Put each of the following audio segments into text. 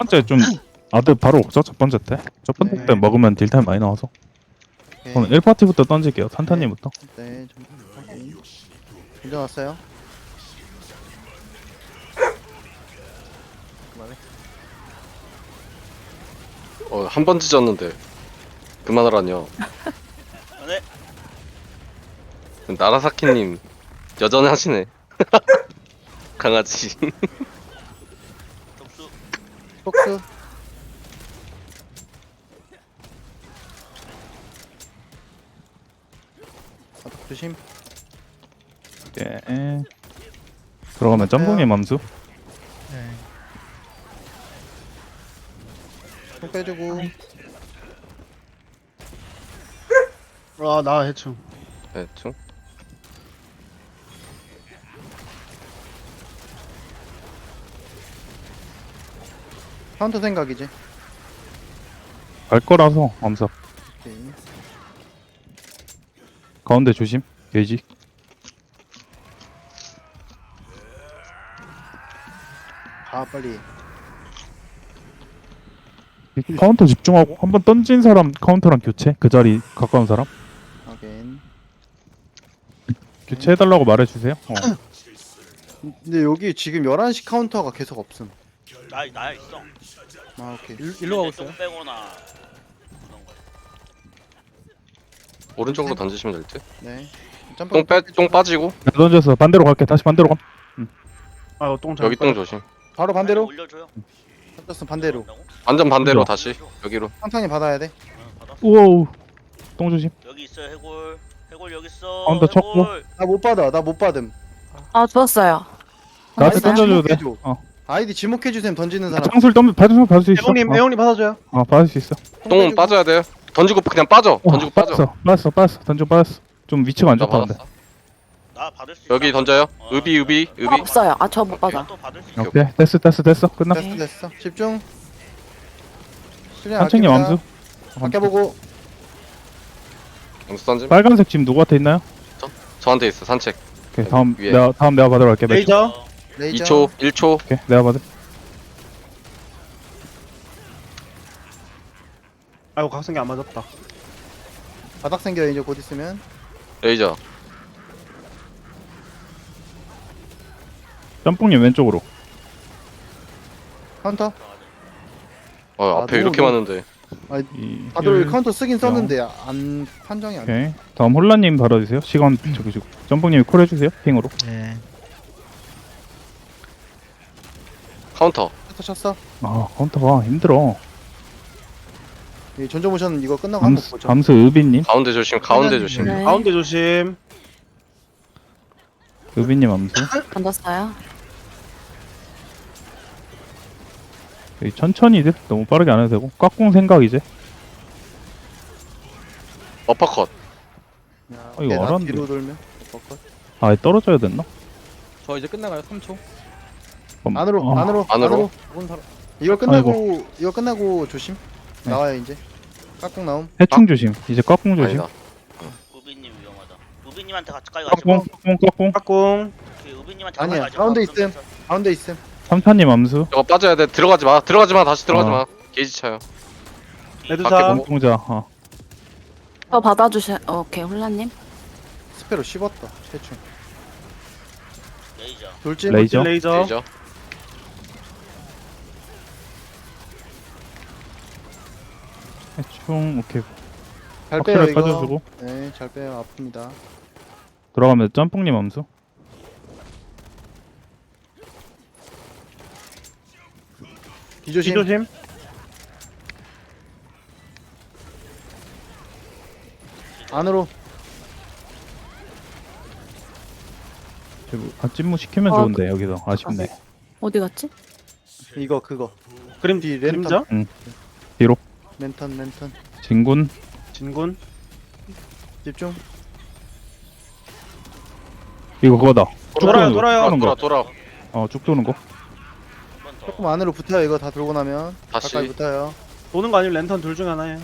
번째 좀 아드 바로 먹죠. 첫 번째 때. 첫 번째 네. 때 먹으면 딜타임 많이 나와서. 오케이. 저는 1파티부터 던질게요. 산타님부터. 네, 확인. 먼저 왔어요. 그만해. 한 번 찢었는데 그만하라뇨. 네. 나라사키님 여전히 하시네. 강아지. 접수. 폭스. 바닥 조심. 예. 들어가면 짬뽕의 맘수. 손 빼주고. 나 해충. 대충. 카운터 생각이지. 갈 거라서 암사. 오케이. 가운데 조심. 게이지. 가 빨리. 카운터 집중하고 한 번 던진 사람 카운터랑 교체. 그 자리 가까운 사람 확인. 교체해달라고 말해주세요. 근데 여기 지금 11시 카운터가 계속 없음. 나야 있어. 아 오케이. 일로 가고 있어요. 똥 빼거나 그런 거. 오른쪽으로 던지시면 될 듯. 네. 짬뽕 똥 빠지고 나 던져서 반대로 갈게. 다시 반대로 감. 똥 잘. 여기 똥 조심. 바로 반대로. 올려줘요. 던졌으면 반대로. 한다고? 완전 반대로 먼저. 다시 여기로. 상탄이 받아야 돼. 받았어. 우와우. 똥 조심. 여기 있어 해골. 해골 여기 있어. 가운데 쳤고. 해골. 나 못 받아. 나 못 받음. 아 죽었어요. 나한테 알았어요? 던져줘도 돼. 지목해줘. 아이디 지목해주셈 던지는 사람. 창술 받을 수 있어. 애용님 받아줘요. 받을 수 있어. 똥은 빼주고. 빠져야 돼요. 던지고 그냥 빠져. 던지고 빠져. 빠졌어. 던지고 빠졌어. 좀 위치가 안 나 좋다는데. 받았어. 나 받을 수 있어. 여기 던져요. 어, 의비. 아, 없어요. 아 저 못 받아. 또 받을 수 있어. 오케이. 오케이. 됐어. 끝났어. 됐어. 집중. 산책님 암수. 아껴보고. 영수 던짐. 빨간색 지금 누구한테 있나요? 저한테 있어. 산책. 오케이. 다음 위에. 내가 받으러 갈게. 몇 초? 레이저. 어, 레이저. 2초, 1초. 오케이. 내가 받을. 아이고 각성기 안 맞았다. 바닥 생겨 이제 곧 있으면. 레이저. 짬뽕님 왼쪽으로. 카운터. 앞에 너무 이렇게 너무- 많은데. 다들 카운터 쓰긴 썼는데 안 판정이 안 돼. 오케이. 다음 홀라님 받아주세요. 시간 저기 주고. 짬뽕님이 콜 해주세요. 핑으로. 카운터. 쳤어. 아 카운터가 힘들어. 이 전조 모션 이거 끝나고 한번 보죠. 감수 의빈님. 가운데 조심. 가운데 조심. 네. 가운데 조심. 의빈님 암수. 던졌어요. 여기 천천히들. 너무 빠르게 안 해도 되고. 깍꿍 생각 이제. 어퍼컷. 야, 이거 오케이, 나 알았는데. 뒤로 돌면. 꺾어. 아 떨어져야 됐나? 저 이제 끝나가요. 3초. 안으로, 안으로, 안으로. 이거 끝나고 조심. 네. 나와요 이제. 깍꿍 나옴. 해충 조심. 이제 깍꿍 조심. 아니다. 우비님 위험하다. 우비님한테 가까이 깍꿍 가지고. 깍꿍. 까꿍. 오케이, 우비님한테 아니야, 가까이 가지고. 가운데 그럼 있음. 가운데 있음. 삼탄님 암수. 저거 빠져야 돼. 들어가지 마. 다시 들어가지 마. 게이지 차요. 레드사. 밖에 공자. 저 받아주셔. 오케이 홀라님. 스페로 씹었다. 최충. 레이저. 돌진. 레이저. 레이저. 레이저. 해충. 오케이. 잘 빼요 확실하게 이거. 빠져주고. 네, 잘 빼요. 아픕니다. 들어가면 짬뽕님 암수. 뒤조심. 뒤조심. 안으로. 찜무 시키면 어, 좋은데 여기서 아쉽네. 어디 갔지? 이거 그거. 그림 뒤 그림자. 랜턴. 진군. 진군. 집중. 이거 그거다. 쭉 돌아요, 도는 거, 돌아요. 쭉 도는 거. 돌아. 쭉 도는 거. 한번 더. 조금 안으로 붙어요. 이거 다 돌고 나면. 다시. 가까이 붙어요. 도는 거 아니면 랜턴 둘 중에 하나예요.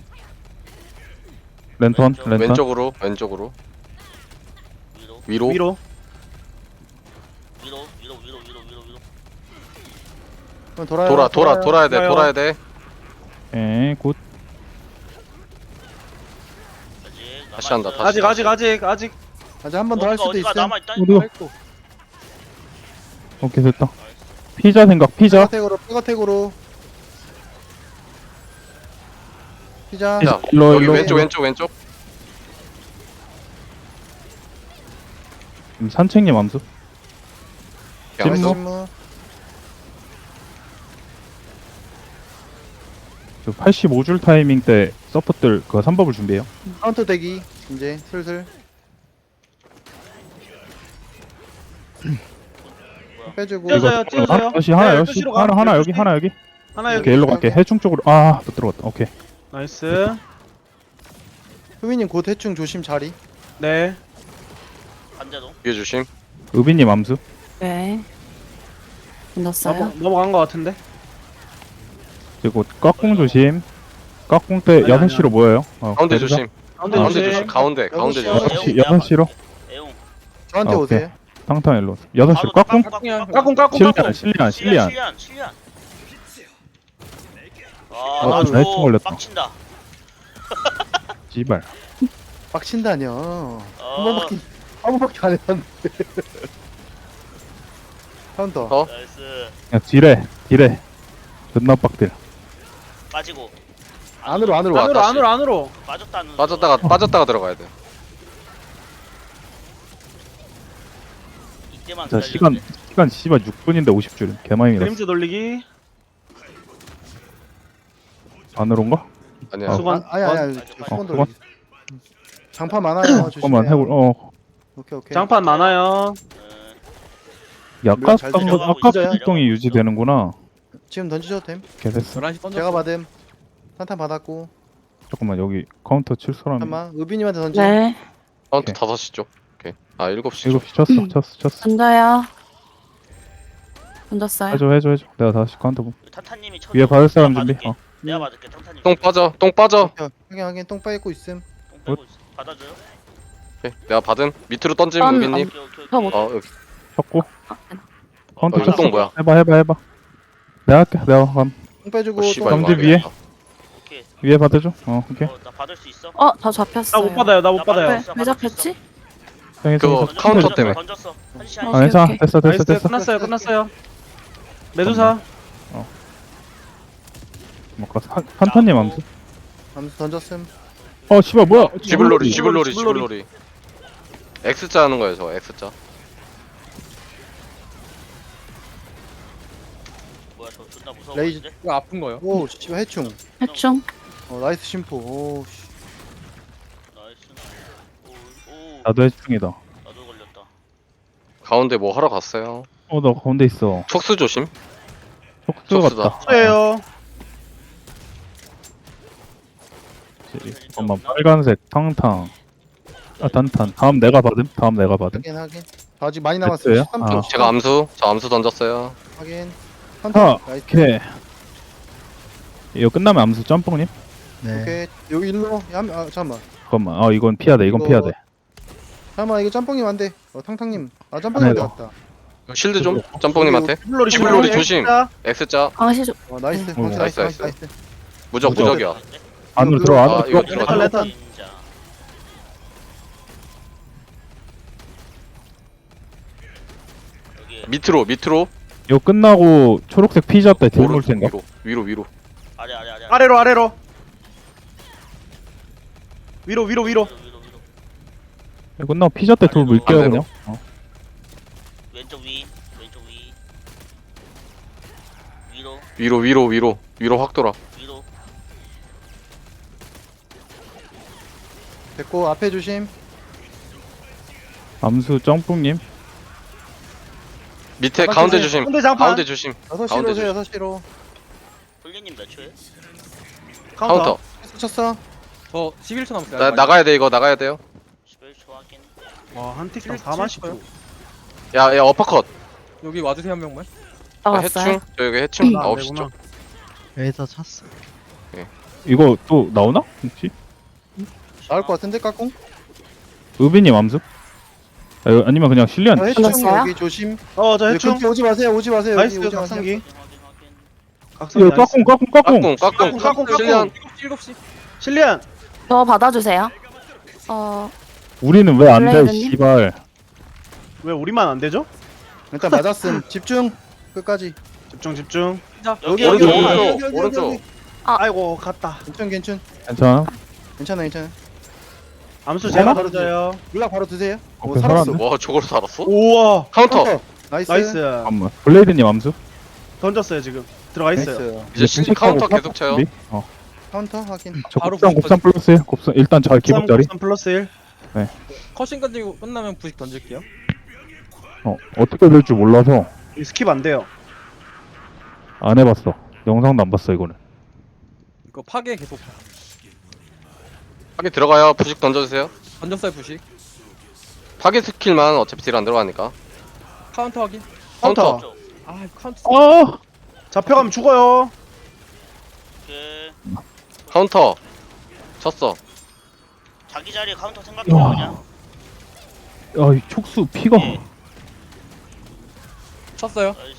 랜턴. 왼쪽. 랜턴. 왼쪽으로. 위로. 위로. 위로. 위로. 그럼 돌아요. 돌아야 돼 좋아요. 돌아야 돼. 오케이 굿. 아직 다시 한다, 남아있어요. 다시. 아직 아직 한 번 더 할 수도 어디가 있음. 남아있다니까. 어디가? 오케이 됐다. 피자 생각 피자. 백어택으로. 피자. 자, 일로 여기 일로. 왼쪽. 산책님 암수. 그냥 찜무? 찜무. 저 85줄 타이밍 때 서포트들 그 3법을 준비해요. 카운터 대기. 이제 슬슬. 빼주고. 찢어져요, 찢어져요. 다시 하나 네, 여기 12시로 가. 하나 여기 12시. 하나 여기. 하나 여기. 오케이 일로 갈게. 해충 쪽으로 못 들어갔다. 오케이. 나이스. 후미님 곧 해충 조심 자리. 네. 반대도. 위에 조심. 의빈님 암수. 네. 던졌어요. 넘어간 거 같은데. 그리고 깍공 조심. 깍공 때 아니, 6시로 모여요. 가운데 그래서 조심. 가운데 가운데 조심. 조심. 가운데 여섯 조심. 시. 6시 애용. 저한테 아, 오세요. 탕탕 일로. 6시로 깍공. 까꿍. 실리안. 실리안. 아, 나 나이스 줘. 걸렸다. 빡친다. 지발. 빡친다뇨. 어, 한 번밖에 안 했는데. 카운터. 어? 나이스. 그냥 딜해. 존나 빡딜. 빠지고. 안으로. 안으로. 빠졌다 안 빠졌다가 들어가야 돼. 이때만 자 기다리면 시간 씨발 6분인데 50줄. 개많이 밀었어. 그림자 돌리기. 안으로 온 거? 아니야. 수건. 아니. 수건 수건 돌리기. 장판 많아요. 잠깐만 조심해요. 해볼. 오케이. 장판 많아요. 약간 잘 들어가고 아까 있어요. 활동이 유지되는구나. 지금 던지셔도 됨. 개됐어. 11시 던졌어. 제가 받음. 탄탄 받았고. 잠깐만 여기 카운터 칠 사람이. 잠깐만. 의빈님한테 던지. 네. 카운트 오케이. 5시 쪽. 오케이. 7시 쪽. 7시 쳤어. 던져요. 던졌어요. 해줘. 내가 다시 카운터 보. 탄탄님이 쳐. 위에 받을 사람 준비. 내가 받을게. 탄탄님. 똥 빠져. 확인. 똥 빠있고 있음. 똥 빼고 있어. 받아줘요. 오케이. 내가 받은. 밑으로 던짐 딴- 우빈님. 오케이. 저 못. 여기. 쳤고. 카운터 이거 쳤어. 똥 뭐야? 해봐. 내가 할게. 내가 감. 똥 빼주고. 씨발, 똥 이거 경제 위에. 아니야. 오케이. 위에 받아줘. 오케이. 나 받을 수 있어? 다 잡혔어요. 나 못 받아요. 나 못 받아요. 왜 잡혔지? 그거 땡이 카운터 땡이. 때문에. 던졌어. 한시 어. 아 괜찮아. 오케이. 됐어. 나이스. 끝났어요. 메두사. 뭔가 산타님 암수. 암수 던졌음. 씨발 뭐야? 지불놀이. X자 하는 거예요, 저 X자. 뭐야 저 존나 무서워. 레이즈. 보이는데? 이거 아픈 거요. 오, 씨발 해충. 해충. 나이스 심포. 오, 씨. 나이스. 오. 나도 해충이다. 나도 걸렸다. 가운데 뭐 하러 갔어요? 나 가운데 있어. 촉수 조심. 촉수 촉수다. 같다. 예요. 잠깐만 빨간색 탕탕. 단탄. 다음 내가 받음. 확인. 저 아직 많이 남았어요. 됐어요? 13초. 제가 저 암수 던졌어요. 확인. 하. 나이스. 오케이. 이거 끝나면 암수 점프님. 오케이. 여기 일로. 잠깐만. 잠깐만. 이건 피해야 돼. 이거- 피해야 돼. 잠깐만, 이거 짬뽕님 안 돼. 탕탕님. 짬뽕님 안 왔다. 실드 좀 짬뽕님한테. 지불놀이 지불놀이 조심. X자 강시 좀. 나이스. 오, 나이스. 나이스. 무적이야. 안으로 이거 들어와. 아, 안으로 이거 들어와. 들어가. 레턴. 진짜. 여기 밑으로. 이거 끝나고 초록색 피자 때 딜 물 생각. 위로. 아래. 아래로. 위로. 위로. 이거 끝나고 피자 때 돌 물게요 반대로. 그냥. 왼쪽 위. 위로 확 돌아. 위로. 됐고, 앞에 조심. 암수 점프님. 밑에 가운데 조심. 가운데 장판. 가운데 조심. 6시로 가운데 오세요, 6시로. 홀리님 몇 초에? 카운터. 쳤어. 저 11초 남았어요. 나가야 돼. 이거 나가야 돼요. 11초 확인. 와, 한 틱당 7, 4만 7 10초. 야 어퍼컷. 여기 와주세요 한 명만. 나갔어요. 해충. 저 여기 해충. 아, 9시 쪽. 여기서 찼어. 이거 또 나오나? 혹시? 나올 것 같은데, 까꿍? 의빈님 암수? 아니면 그냥 실리안. 해충 끝났어요? 여기 조심. 저 여기 해충. 근처 오지 마세요. 여기 나이스, 오지 마세요. 각성기. 확인. 각성이 야, 까꿍. 까꿍 실리안 7시. 실리안. 저 받아주세요. 우리는 왜 안 돼, 블레이드님? 씨발. 왜 우리만 안 되죠? 일단 맞았음. 집중. 끝까지. 집중. 여기 오른쪽 여기 오른쪽 아이고 갔다. 괜찮. 괜찮아? 괜찮아. 암수 제가 하나? 던져요. 물약 바로 드세요. 오, 오케이, 살았어. 살았네. 와 저거로 살았어? 우와. 카운터 나이스. 나이스. 잠깐만. 블레이드님 암수? 던졌어요 지금. 들어가 있어요. 나이스. 이제 신 카운터 계속 쳐요. 카운터 확인. 저 바로 곱삼 플러스에 곱삼 일단 저 기본자리. 3 플러스 1. 컷신 건지고 끝나면 부식 던질게요. 어떻게 될 줄 몰라서 스킵 안 돼요. 안 해봤어. 영상도 안 봤어 이거는. 이거 파괴 계속. 파괴 들어가요. 부식 던져주세요. 던졌어요 부식. 파괴 스킬만 어차피 딜 안 들어가니까. 카운터 확인. 카운터. 쪽. 아 카운터. 잡혀가면 죽어요. 오케이. 카운터 쳤어. 자기 자리 카운터 생각해요 그냥. 야, 이 촉수 피가. 예. 쳤어요. 나이스.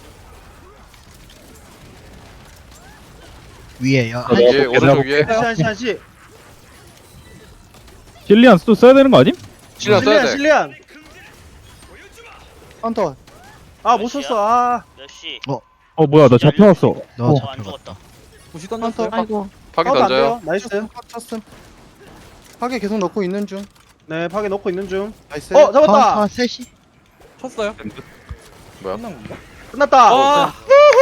위에요. 위에 오른쪽 위에 한시. 실리안 또 써야 되는 거 아님? 실리안 써야 돼. 실리안. 카운터. 아 못 썼어. 아. 몇 시? 뭐야 나 잡혀왔어. 너 저 안 잡혀가. 죽었다. 부식 던졌어요. 아이고. 파괴 카운터 안 던져요. 돼요. 나이스. 쳤음. 파괴 계속 넣고 있는 중. 네 파괴 넣고 있는 중. 나이스. 잡았다. 카운터 셋이. 쳤어요. 뭐야? 끝난 건가? 끝났다. 와.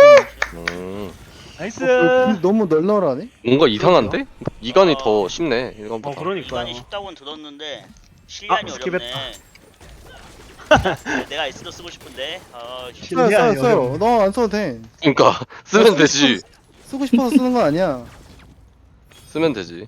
나이스. 너무 널널하네. 뭔가 이상한데? 이간이 더 쉽네. 이건보다. 그러니까요. 이간이 쉽다고는 들었는데 실리안이 아, 어렵네. 내가 S도 쓰고 싶은데. 실리안이 써요. 너 안 써도 돼. 그러니까 쓰면 되지. 쓰고 싶어서 쓰는 건 아니야. 쓰면 되지.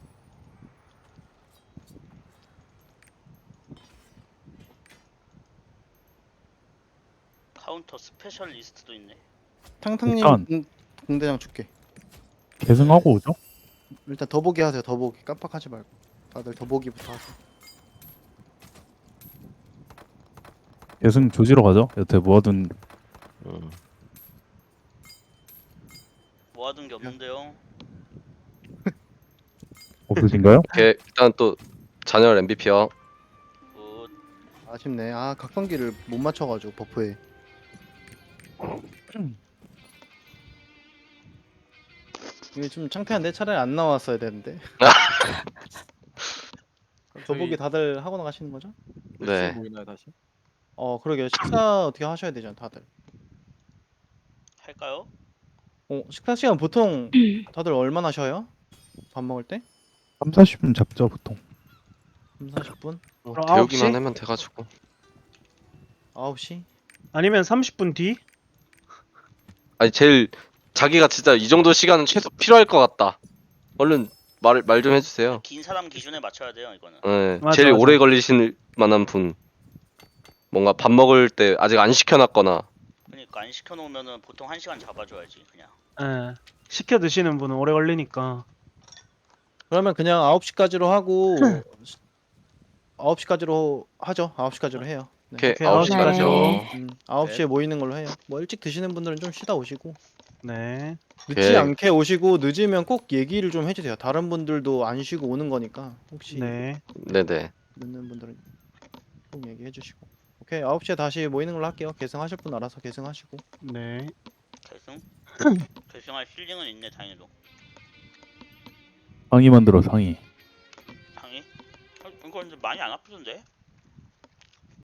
카운터 스페셜리스트도 있네. 탕탕님 일단. 공대장 줄게. 계승하고 오죠? 일단 더보기 하세요. 더보기 깜빡하지 말고. 다들 더보기부터 하세요. 계승 조지러 가죠. 여태 모아둔 모아둔 게 없는데요. 없으신가요? 오케이 일단 또 잔열 MVP요. 굿. 아쉽네. 아 각성기를 못 맞춰가지고 버프에. 이게 좀 창피한데 차라리 안 나왔어야 되는데. 더보기 다들 하고 나가시는 거죠? 네. 보이나요 다시? 그러게요. 식사 어떻게 하셔야 되잖아 다들. 할까요? 식사 시간 보통 다들 얼마나 쉬어요? 밥 먹을 때? 3, 40분 잡죠 보통. 3, 40분? 그럼 배우기만 9시? 하면 돼가지고. 9시? 아니면 30분 뒤? 아니 제일 자기가 진짜 이 정도 시간은 최소 필요할 것 같다. 얼른 말 좀 해주세요. 긴 사람 기준에 맞춰야 돼요 이거는. 네, 맞아, 제일 맞아. 오래 걸리실 만한 분. 뭔가 밥 먹을 때 아직 안 시켜놨거나. 그러니까 안 시켜놓으면은 보통 1시간 잡아줘야지 그냥. 예. 시켜 드시는 분은 오래 걸리니까. 그러면 그냥 9시까지로 하고 9시까지로 하죠. 9시까지로 해요. 오케이 오케이, 9시까지요. 9시에 모이는 걸로 해요. 뭐 일찍 드시는 분들은 좀 쉬다 오시고 네. 늦지 오케이. 않게 오시고 늦으면 꼭 얘기를 좀 해주세요. 다른 분들도 안 쉬고 오는 거니까 혹시 네. 네네. 늦는 분들은 꼭 얘기해 주시고. 오케이 9시에 다시 모이는 걸로 할게요. 계승하실 분 알아서 계승하시고. 네. 결승? 결승할 힐링은 있네 다행히도. 상의 만들어 상의. 당이? 이거 근데 많이 안 아프던데?